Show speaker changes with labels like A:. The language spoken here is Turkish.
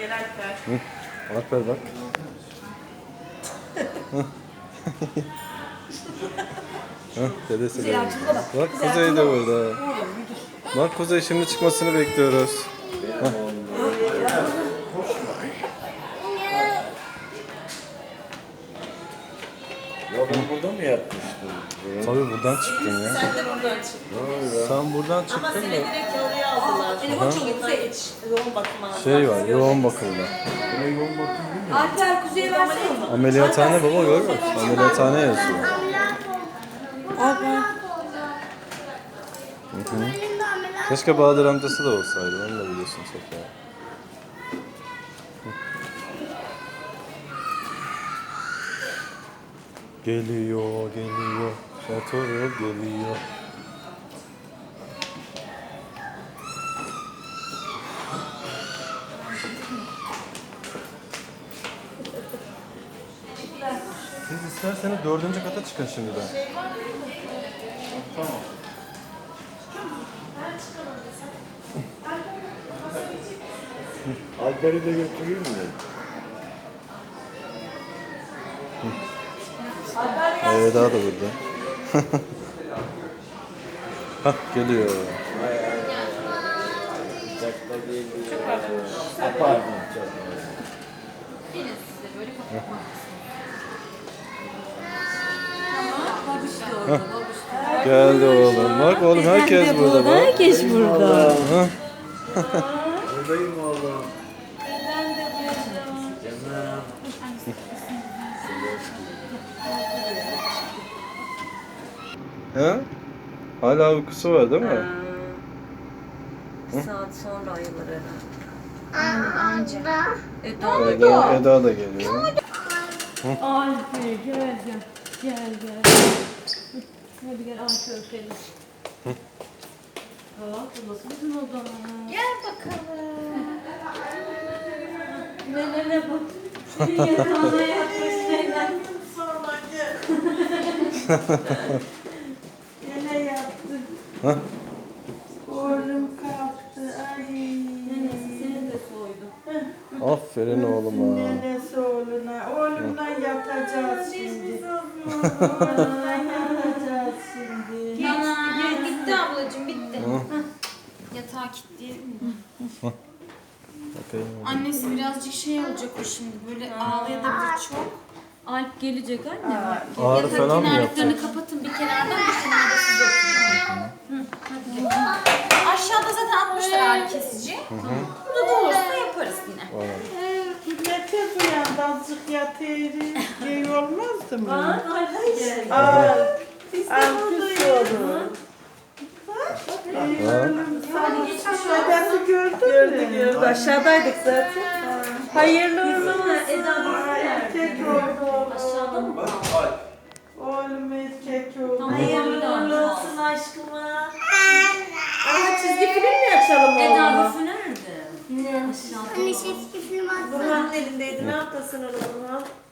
A: Gel Alper.
B: Alper bak. Dedesi de burada. Bak Kuzey de burada. Bak Kuzey şimdi çıkmasını bekliyoruz.
C: Ya ben burada mı yatmıştım?
B: Tabii buradan çıktın ya.
A: Sen de buradan çık.
B: Sen buradan
A: Ama
B: çıktın
A: seni
B: da
A: direkt oraya aldılar.
D: Telefon çok yüksek.
A: Yoğun bakım aldılar.
B: şey var, yoğun bakımda.
C: Buna yoğun bakım değil mi?
D: Alper Kuzey'e versene.
B: Ameliyathane baba görmüyor musun? Ameliyathane yazıyor. Keşke Bahadır amcası da olsaydı. Onu da biliyorsun Sefa. Geliyor, geliyor. Şatoru geliyor. Siz isterseniz 4. kata çıkın şimdiden.
C: Tamam. Alper'i de götüreyim mi?
B: Daha da burada. Hah geliyor.
C: Uçakta geliyor. Pardon.
B: Geldi oğlum. Bak oğlum herkes burada bak.
D: Herkes burada.
B: Hah.
C: Buradayım oğlum. Canım.
B: Ha? Hala uykusu var değil mi?
D: Bir saat sonra ayılır herhalde.
B: Eda da geliyor.
E: Alper gel gel. Gel gel. Hadi gel Alper öpelim. Bak burası bizim oda.
D: Gel bakalım.
E: Ne bak. Yatağına yatmış Leyla.
A: Sonra gel. Yine yattı.
B: Hah.
A: Oğlum kalktı. Ay.
E: Nenesi seni de soydu.
B: Aferin oğluma.
A: Nenesi oğluna. Oğlumla yatacağız şimdi. Oğlumla yatacağız şimdi.
D: Bitti ablacığım bitti. Yatağı kilitleyelim mi?
B: Bakayım.
D: Annesi birazcık şey olacak o şimdi böyle ağlayabilir çok.
E: Alp gelecek anne.
B: Ağrı falan mı yaptı?
D: Kenarlıklarını kapatın bir kenardan bir kenarda siz oturun. Aşağıda zaten atmışlar ağrı kesici. Burada da olursa yaparız yine.
A: Ne tez uyandı azıcık yatayım. Şey olmazdı mı?
E: Alp gel.
A: Alkış olur. Dedesi gördün mü?
E: Gördü aşağıdaydık zaten.
A: Hayırlı olsun.
E: Eda
A: Erkek oldu.
E: aşağıda mı?
A: Oğlum erkek oldu.
E: Hayırlı
A: olsun aşkıma. Ama çizgi film mi açalım
E: Eda
A: oğlum?
E: büfü nerede? Aşağıda.
A: Burhan'ın elindeydi. Ne yaptasın oğlum?